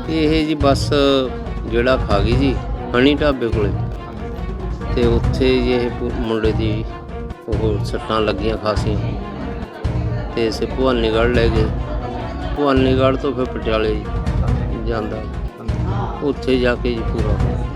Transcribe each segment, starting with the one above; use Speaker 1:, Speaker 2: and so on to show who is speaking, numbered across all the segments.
Speaker 1: ਇਹ ਜੀ ਬੱਸ ਜਿਹੜਾ ਖਾ ਗਈ ਜੀ ਹਣੀ ਢਾਬੇ ਕੋਲੇ ਤੇ ਉੱਥੇ ਜੀ ਇਹ ਮੁੰਡੇ ਦੀ ਉਹ ਸੱਟਾਂ ਲੱਗੀਆਂ ਖਾਸੀਆਂ ਤੇ ਇਸੇ ਭਵਾਨੀਗੜ੍ਹ ਲੈ ਗਏ। ਭਵਾਨੀਗੜ੍ਹ ਤੋਂ ਫਿਰ ਪਟਿਆਲੇ ਜਾਂਦਾ, ਉੱਥੇ ਜਾ ਕੇ ਜੀ ਪੂਰਾ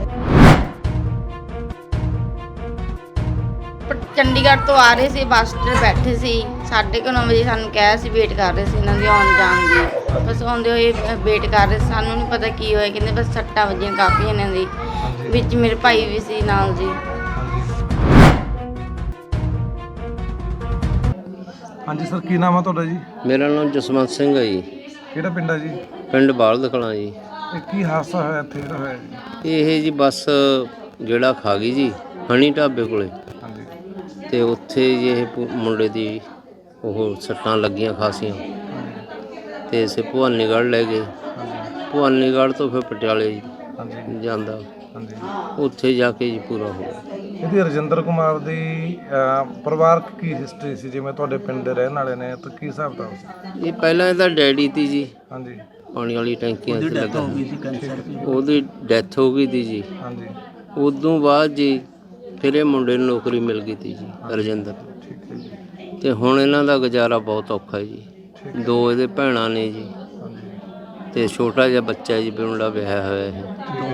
Speaker 2: ਚੰਡੀਗੜ੍ਹ ਤੋਂ ਆ ਰਹੇ ਸੀ, ਬੱਸ 'ਤੇ ਬੈਠੇ ਸੀ। 9:30 ਵਜੇ ਸਾਨੂੰ ਕਿਹਾ ਸੀ, ਵੇਟ ਕਰ ਰਹੇ ਸੀ ਇਹਨਾਂ ਦੀ ਆਉਣ ਜਾਣ ਦੀ। ਬਸ ਆਉਂਦੇ ਹੋਏ ਵੇਟ ਕਰ ਰਹੇ, ਸਾਨੂੰ ਨਹੀਂ ਪਤਾ ਕੀ ਹੋਇਆ। ਕਹਿੰਦੇ ਬਸ ਸੱਟਾਂ ਵੱਜੀਆਂ ਕਾਫੀ ਇਹਨਾਂ ਦੀ, ਵਿੱਚ ਮੇਰੇ ਭਾਈ ਵੀ ਸੀ ਨਾਲ ਜੀ।
Speaker 3: ਹਾਂਜੀ ਸਰ, ਕੀ ਨਾਮ ਆ ਤੁਹਾਡਾ ਜੀ?
Speaker 1: ਮੇਰਾ ਨਾਮ ਜਸਵੰਤ ਸਿੰਘ ਹੈ ਜੀ।
Speaker 3: ਕਿਹੜਾ ਪਿੰਡ ਆ ਜੀ?
Speaker 1: ਪਿੰਡ ਬਾਲਦ ਕਲਾਂ ਜੀ।
Speaker 3: ਇਹ ਕੀ ਹਾਦਸਾ ਹੋਇਆ ਇੱਥੇ ਜਿਹੜਾ ਹੋਇਆ ਜੀ?
Speaker 1: ਇਹ ਜੀ ਬੱਸ ਜਿਹੜਾ ਖਾ ਗਈ ਜੀ ਹਣੀ ਢਾਬੇ ਕੋਲੇ
Speaker 3: ਹਾਂਜੀ
Speaker 1: ਤੇ ਉੱਥੇ ਜੀ ਇਹ ਮੁੰਡੇ ਦੀ ਉਹ ਸੱਟਾਂ ਲੱਗੀਆਂ ਖਾਸੀਆਂ ਤੇ ਇਸੇ ਭਵਾਨੀਗੜ੍ਹ ਲੈ ਗਏ। ਭਵਾਨੀਗੜ੍ਹ ਤੋਂ ਫਿਰ ਪਟਿਆਲੇ
Speaker 3: ਹਾਂਜੀ
Speaker 1: ਜਾਂਦਾ,
Speaker 3: ਹਾਂਜੀ।
Speaker 1: ਉੱਥੇ ਜਾ ਕੇ ਜੀ ਪੂਰਾ ਹੋ ਗਿਆ।
Speaker 3: ਇਹਦੀ ਰਜਿੰਦਰ ਕੁਮਾਰ ਦੀ ਪਰਿਵਾਰਕ ਕੀ ਹਿਸਟਰੀ ਸੀ? ਜਿਵੇਂ ਤੁਹਾਡੇ ਪਿੰਡ ਦੇ ਰਹਿਣ ਵਾਲੇ ਨੇ ਤਾਂ ਕੀ ਹਿਸਾਬ ਕਿਤਾਬ ਸੀ?
Speaker 1: ਇਹ ਪਹਿਲਾਂ ਇਹਦਾ ਡੈਡੀ ਤੀ ਜੀ,
Speaker 3: ਹਾਂਜੀ
Speaker 1: ਪਾਣੀ ਵਾਲੀ ਟੈਂਕੀਆਂ 'ਚ ਲੱਗਾ, ਉਹਦੀ ਡੈਥ ਹੋ ਗਈ ਤੀ ਜੀ।
Speaker 3: ਹਾਂਜੀ
Speaker 1: ਉਦੋਂ ਬਾਅਦ ਜੀ ਫਿਰ ਇਹ ਮੁੰਡੇ ਨੂੰ ਨੌਕਰੀ ਮਿਲ ਗਈ ਤੀ ਜੀ ਰਜਿੰਦਰ ਨੂੰ।
Speaker 3: ਠੀਕ ਹੈ ਜੀ।
Speaker 1: ਤੇ ਹੁਣ ਇਹਨਾਂ ਦਾ ਗੁਜ਼ਾਰਾ ਬਹੁਤ ਔਖਾ ਹੈ ਜੀ।
Speaker 3: ਠੀਕ
Speaker 1: 2 ਇਹਦੇ ਭੈਣਾਂ ਨੇ ਜੀ
Speaker 3: ਹਾਂਜੀ
Speaker 1: ਤੇ ਛੋਟਾ ਜਿਹਾ ਬੱਚਾ ਜੀ, ਮੁੰਡਾ ਵਿਆਹਿਆ ਹੋਇਆ ਹੈ।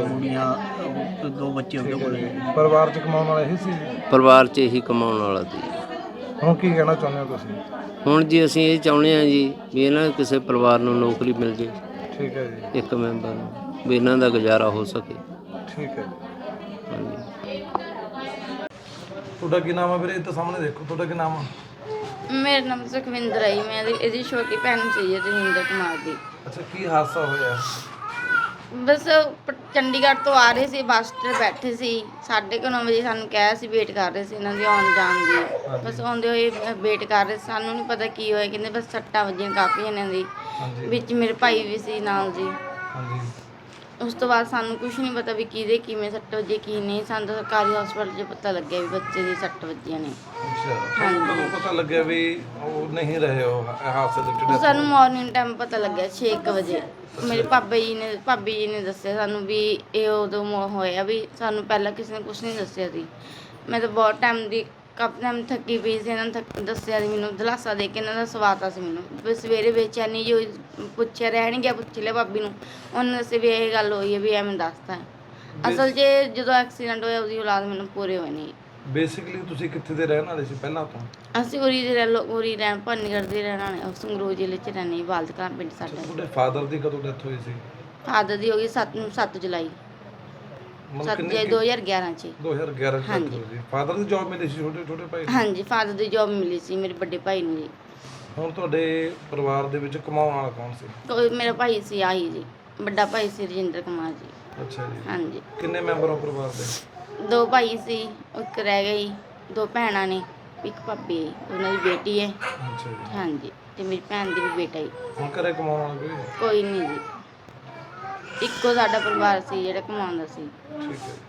Speaker 4: 2 ਬੱਚੇ ਉਹਦੇ ਕੋਲ।
Speaker 3: ਪਰਿਵਾਰ 'ਚ ਕਮਾਉਣ ਵਾਲਾ ਇਹੀ ਸੀ ਜੀ?
Speaker 1: ਪਰਿਵਾਰ 'ਚ ਇਹੀ ਕਮਾਉਣ ਵਾਲਾ ਸੀ।
Speaker 3: ਹੁਣ ਕੀ ਕਹਿਣਾ ਚਾਹੁੰਦੇ ਹੋ ਤੁਸੀਂ?
Speaker 1: ਹੁਣ ਜੀ ਅਸੀਂ ਇਹ ਚਾਹੁੰਦੇ ਹਾਂ ਜੀ ਵੀ ਇਹਨਾਂ ਕਿਸੇ ਪਰਿਵਾਰ ਨੂੰ ਨੌਕਰੀ ਮਿਲ ਜੇ,
Speaker 3: ਠੀਕ ਹੈ ਜੀ।
Speaker 1: ਇੱਕ ਮੈਂਬਰ ਨੂੰ, ਵੀ ਇਹਨਾਂ ਦਾ ਗੁਜ਼ਾਰਾ ਹੋ ਸਕੇ।
Speaker 3: ਠੀਕ ਹੈ।
Speaker 1: ਹਾਂਜੀ।
Speaker 3: ਤੁਹਾਡਾ ਕੀ ਨਾਮ ਹੈ ਵੀਰੇ? ਇਹ ਤਾਂ ਸਾਹਮਣੇ ਦੇਖੋ, ਤੁਹਾਡਾ ਕੀ ਨਾਮ ਆ?
Speaker 2: ਮੇਰਾ ਨਾਮ ਸੁਖਵਿੰਦਰ ਹੈ ਜੀ। ਮੈਂ ਇਹਦੀ ਛੋਟੀ ਭੈਣ ਸੀ ਰਜਿੰਦਰ ਕੁਮਾਰ ਦੀ।
Speaker 3: ਅੱਛਾ, ਕੀ ਹਾਦਸਾ ਹੋਇਆ?
Speaker 2: ਬਸ ਚੰਡੀਗੜ੍ਹ ਤੋਂ ਆ ਰਹੇ ਸੀ, ਬੱਸ 'ਤੇ ਬੈਠੇ ਸੀ। 9:30 ਵਜੇ ਸਾਨੂੰ ਕਿਹਾ ਸੀ, ਵੇਟ ਕਰ ਰਹੇ ਸੀ ਇਹਨਾਂ ਦੀ ਆਉਣ ਜਾਣ ਦੀ। ਬਸ ਆਉਂਦੇ ਹੋਏ ਵੇਟ ਕਰ ਰਹੇ, ਸਾਨੂੰ ਨਹੀਂ ਪਤਾ ਕੀ ਹੋਇਆ। ਕਹਿੰਦੇ ਬਸ ਸੱਟਾਂ ਵੱਜੀਆਂ ਕਾਫੀ ਇਹਨਾਂ ਦੀ,
Speaker 3: ਹਾਂਜੀ
Speaker 2: ਵਿੱਚ ਮੇਰੇ ਭਾਈ ਵੀ ਸੀ ਨਾਲ ਜੀ।
Speaker 3: ਹਾਂਜੀ।
Speaker 2: ਉਸ ਤੋਂ ਬਾਅਦ ਸਾਨੂੰ ਕੁਝ ਨਹੀਂ ਪਤਾ ਵੀ ਕਿਹਦੇ ਕਿਵੇਂ ਸੱਟ ਵੱਜੀ ਕੀ ਨਹੀਂ। ਸਾਨੂੰ ਤਾਂ ਸਰਕਾਰੀ ਹਸਪਤਾਲ 'ਚ ਪਤਾ ਲੱਗਿਆ ਵੀ ਬੱਚੇ ਦੀ ਸੱਟ ਵੱਜੀਆਂ ਨੇ।
Speaker 3: ਅੱਛਾ, ਤੁਹਾਨੂੰ ਕਦੋਂ ਪਤਾ ਲੱਗਿਆ ਵੀ ਉਹ ਨਹੀਂ ਰਹੇ ਉਹ ਹਾਦਸੇ ਦੇ ਵਿੱਚ?
Speaker 2: ਸਾਨੂੰ ਮਾਰਨਿੰਗ ਟਾਈਮ ਪਤਾ ਲੱਗਿਆ 6 ਵਜੇ। ਮੇਰੇ ਭਾਬੀ ਜੀ ਨੇ ਦੱਸਿਆ ਸਾਨੂੰ ਵੀ ਇਹ ਉਦੋਂ ਹੋਇਆ। ਵੀ ਸਾਨੂੰ ਪਹਿਲਾਂ ਕਿਸੇ ਨੇ ਕੁਝ ਨਹੀਂ ਦੱਸਿਆ ਸੀ। ਮੈਂ ਤਾਂ ਬਹੁਤ ਟਾਈਮ ਦੀ ਕਾਫੀ ਟਾਈਮ ਥੱਕੀ ਪਈ ਸੀ। ਇਹਨਾਂ ਨੇ ਦੱਸਿਆ ਸੀ ਮੈਨੂੰ, ਦਿਲਾਸਾ ਦੇ ਕੇ ਇਹਨਾਂ ਦਾ ਸਵਾਤਾ ਸੀ ਮੈਨੂੰ। ਵੀ ਸਵੇਰੇ ਬੇਚੈਨੀ ਜੋ ਪੁੱਛਿਆ ਰਹਿ ਨਹੀਂ ਗਿਆ, ਪੁੱਛ ਲਿਆ ਭਾਬੀ ਨੂੰ, ਉਹਨੇ ਦੱਸਿਆ ਵੀ ਇਹ ਗੱਲ ਹੋਈ ਹੈ, ਵੀ ਐਵੇਂ ਦੱਸਤਾ। ਅਸਲ 'ਚ ਜਦੋਂ ਐਕਸੀਡੈਂਟ ਹੋਇਆ ਉਹਦੀ ਔਲਾਦ ਮੈਨੂੰ ਪੂਰੇ ਹੋਏ ਨਹੀਂ।
Speaker 3: ਬੇਸਿਕਲੀ ਤੁਸੀਂ ਕਿੱਥੇ ਦੇ ਰਹਿਣ ਵਾਲੇ ਸੀ ਪਹਿਲਾਂ ਤੋਂ?
Speaker 2: ਅਸੀਂ ਉਰੀ ਰਹਿਣ ਭਵਾਨੀਗੜ੍ਹ ਦੇ ਰਹਿਣ ਵਾਲੇ, ਸੰਗਰੂਰ ਜ਼ਿਲ੍ਹੇ 'ਚ ਰਹਿੰਦੇ, ਬਾਲਦ ਕਲਾਂ ਪਿੰਡ ਸਾਡਾ।
Speaker 3: ਤੁਹਾਡੇ ਫਾਦਰ ਦੀ ਕਦੋਂ ਡੈਥ ਹੋਈ ਸੀ?
Speaker 2: ਫਾਦਰ ਦੀ ਹੋ ਗਈ 7 ਜੁਲਾਈ 2011 'ਚ।
Speaker 3: 2011 ਚ
Speaker 2: ਹਾਂਜੀ।
Speaker 3: ਹੋਈ ਸੀ। ਫਾਦਰ ਦੀ ਜੌਬ ਮਿਲੀ ਸੀ ਛੋਟੇ ਭਾਈ ਨੂੰ?
Speaker 2: ਹਾਂਜੀ, ਫਾਦਰ ਦੀ ਜੌਬ ਮਿਲੀ ਸੀ ਮੇਰੇ ਵੱਡੇ ਭਾਈ ਨੂੰ ਜੀ।
Speaker 3: ਹੁਣ ਤੁਹਾਡੇ ਪਰਿਵਾਰ ਦੇ ਵਿੱਚ ਕਮਾਉਣ ਵਾਲਾ ਕੌਣ ਸੀ?
Speaker 2: ਕੋਈ ਮੇਰਾ ਭਾਈ ਸੀ ਆਹੀ ਜੀ, ਵੱਡਾ ਭਾਈ ਸੀ ਰਜਿੰਦਰ ਕੁਮਾਰ ਜੀ।
Speaker 3: ਅੱਛਾ ਜੀ।
Speaker 2: ਹਾਂਜੀ,
Speaker 3: ਕਿੰਨੇ ਮੈਂਬਰ ਹੋ ਪਰਿਵਾਰ ਦੇ?
Speaker 2: 2 ਭਾਈ ਸੀ, ਇੱਕ ਰਹਿ ਗਈ, 2 ਭੈਣਾਂ ਨੇ, ਇੱਕ ਭਾਬੀ ਹੈ, ਉਹਨਾਂ ਦੀ ਬੇਟੀ ਹੈ।
Speaker 3: ਅੱਛਾ ਜੀ।
Speaker 2: ਹਾਂਜੀ, ਤੇ ਮੇਰੀ ਭੈਣ ਦੀ ਵੀ ਬੇਟਾ ਹੀ।
Speaker 3: ਹੁਣ ਘਰੇ ਕਮਾਉਣ ਵਾਲਾ
Speaker 2: ਕੋਈ ਨਹੀਂ ਜੀ, ਇੱਕੋ ਸਾਡਾ ਪਰਿਵਾਰ ਸੀ ਜਿਹੜਾ ਕਮਾਉਂਦਾ ਸੀ।
Speaker 3: ਠੀਕ ਹੈ।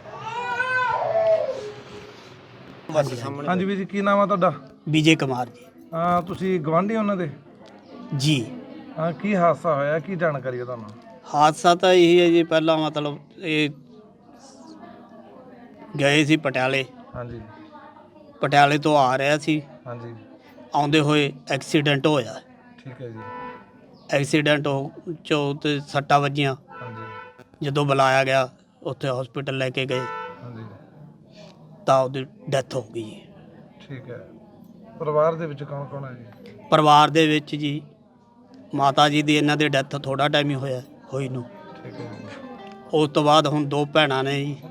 Speaker 3: ਹਾਂਜੀ ਵੀਰ ਜੀ, ਕੀ ਨਾਮ ਆ ਤੁਹਾਡਾ?
Speaker 4: ਵਿਜੇ ਕੁਮਾਰ ਜੀ।
Speaker 3: ਤੁਸੀਂ ਗਵਾਂਢੀ ਉਹਨਾਂ ਦੇ?
Speaker 4: ਜੀ,
Speaker 3: ਕੀ ਹਾਦਸਾ ਹੋਇਆ? ਕੀ ਜਾਣਕਾਰੀ ਹੈ ਤੁਹਾਨੂੰ?
Speaker 4: ਹਾਦਸਾ ਤਾਂ ਇਹੀ ਹੈ ਜੀ, ਪਹਿਲਾਂ ਮਤਲਬ ਇਹ ਗਏ ਸੀ ਪਟਿਆਲੇ।
Speaker 3: ਹਾਂਜੀ
Speaker 4: ਪਟਿਆਲੇ ਤੋਂ ਆ ਰਿਹਾ ਸੀ,
Speaker 3: ਹਾਂਜੀ।
Speaker 4: ਆਉਂਦੇ ਹੋਏ ਐਕਸੀਡੈਂਟ ਹੋਇਆ।
Speaker 3: ਠੀਕ ਹੈ ਜੀ।
Speaker 4: ਐਕਸੀਡੈਂਟ ਚੋਂ ਤੇ ਸੱਟਾਂ ਵੱਜੀਆਂ।
Speaker 3: ਹਾਂਜੀ
Speaker 4: ਜਦੋਂ ਬੁਲਾਇਆ ਗਿਆ ਉੱਥੇ ਹਸਪੀਟਲ ਲੈ ਕੇ ਗਏ
Speaker 3: ਹਾਂਜੀ।
Speaker 4: ਤਾਂ ਉਹਦੀ ਡੈਥ ਹੋ ਗਈ ਜੀ।
Speaker 3: ਠੀਕ ਹੈ। ਪਰਿਵਾਰ ਦੇ ਵਿੱਚ ਕੌਣ ਕੌਣ ਹੈ ਜੀ?
Speaker 4: ਪਰਿਵਾਰ ਦੇ ਵਿੱਚ ਜੀ ਮਾਤਾ ਜੀ ਦੀ, ਇਹਨਾਂ ਦੀ ਡੈਥ ਥੋੜ੍ਹਾ ਟਾਈਮ ਹੀ ਹੋਈ ਨੂੰ।
Speaker 3: ਠੀਕ ਹੈ ਜੀ।
Speaker 4: ਉਸ ਤੋਂ ਬਾਅਦ ਹੁਣ 2 ਭੈਣਾਂ ਨੇ ਜੀ,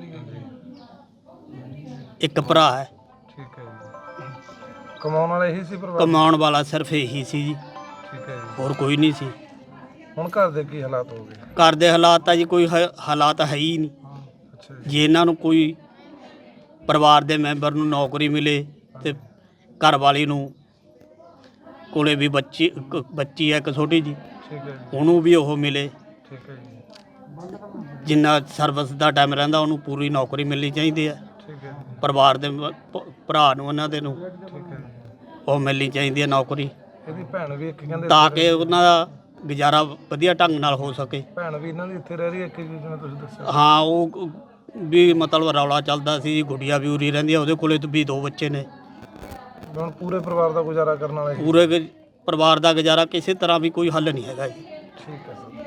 Speaker 4: ਇੱਕ ਭਰਾ ਹੈ।
Speaker 3: ਠੀਕ ਹੈ ਜੀ। ਕਮਾਉਣ ਵਾਲਾ ਇਹੀ ਸੀ ਪਰਿਵਾਰ?
Speaker 4: ਕਮਾਉਣ ਵਾਲਾ ਸਿਰਫ ਇਹੀ ਸੀ ਜੀ,
Speaker 3: ਠੀਕ ਹੈ ਜੀ।
Speaker 4: ਹੋਰ ਕੋਈ ਨਹੀਂ ਸੀ।
Speaker 3: ਹੁਣ ਘਰ ਦੇ ਕੀ ਹਾਲਾਤ ਹੋ ਗਏ?
Speaker 4: ਘਰ ਦੇ ਹਾਲਾਤ ਤਾਂ ਜੀ ਕੋਈ ਹਾਲਾਤ ਹੈ ਹੀ ਨਹੀਂ।
Speaker 3: ਅੱਛਾ ਜੀ।
Speaker 4: ਜੇ ਇਹਨਾਂ ਨੂੰ ਕੋਈ ਪਰਿਵਾਰ ਦੇ ਮੈਂਬਰ ਨੂੰ ਨੌਕਰੀ ਮਿਲੇ ਤੇ ਘਰ ਵਾਲੀ ਨੂੰ ਕੋਲੇ ਵੀ ਬੱਚੀ ਹੈ ਇੱਕ ਛੋਟੀ ਜੀ,
Speaker 3: ਠੀਕ ਹੈ ਜੀ।
Speaker 4: ਉਹਨੂੰ ਵੀ ਉਹ ਮਿਲੇ।
Speaker 3: ਠੀਕ ਹੈ ਜੀ।
Speaker 4: ਜਿੰਨਾ ਸਰਵਿਸ ਦਾ ਟਾਈਮ ਰਹਿੰਦਾ ਉਹਨੂੰ ਪੂਰੀ ਨੌਕਰੀ ਮਿਲਣੀ ਚਾਹੀਦੀ ਹੈ।
Speaker 3: ਠੀਕ ਹੈ ਜੀ।
Speaker 4: ਪਰਿਵਾਰ ਦੇ ਭਰਾ ਨੂੰ ਉਹਨਾਂ ਦੇ ਨੂੰ
Speaker 3: ਠੀਕ ਹੈ ਜੀ।
Speaker 4: ਉਹ ਮਿਲਣੀ ਚਾਹੀਦੀ ਹੈ ਨੌਕਰੀ,
Speaker 3: ਇਹਦੀ ਭੈਣ ਵੀ ਇੱਕ ਕਹਿੰਦੇ
Speaker 4: ਤਾਂ ਕਿ ਉਹਨਾਂ ਦਾ ਗੁਜ਼ਾਰਾ ਵਧੀਆ ਢੰਗ ਨਾਲ ਹੋ ਸਕੇ।
Speaker 3: ਭੈਣ ਵੀ ਇਹਨਾਂ ਦੀ ਇੱਥੇ ਰਹਿ ਰਹੀ ਹੈ ਕਿ ਜਿਵੇਂ ਤੁਸੀਂ ਦੱਸਿਆ?
Speaker 4: ਹਾਂ ਉਹ ਵੀ ਮਤਲਬ ਰੌਲਾ ਚੱਲਦਾ ਸੀ, ਗੁੱਡੀਆ ਵੀ ਉਰੀ ਰਹਿੰਦੀ ਆ, ਉਹਦੇ ਕੋਲੇ ਵੀ 2 ਬੱਚੇ ਨੇ।
Speaker 3: ਹੁਣ ਪੂਰੇ ਪਰਿਵਾਰ ਦਾ ਗੁਜ਼ਾਰਾ ਕਰਨ ਵਾਲੇ
Speaker 4: ਪੂਰੇ ਪਰਿਵਾਰ ਦਾ ਗੁਜ਼ਾਰਾ ਕਿਸੇ ਤਰ੍ਹਾਂ ਵੀ ਕੋਈ ਹੱਲ ਨਹੀਂ ਹੈਗਾ ਜੀ।
Speaker 3: ਠੀਕ ਹੈ ਸਰ।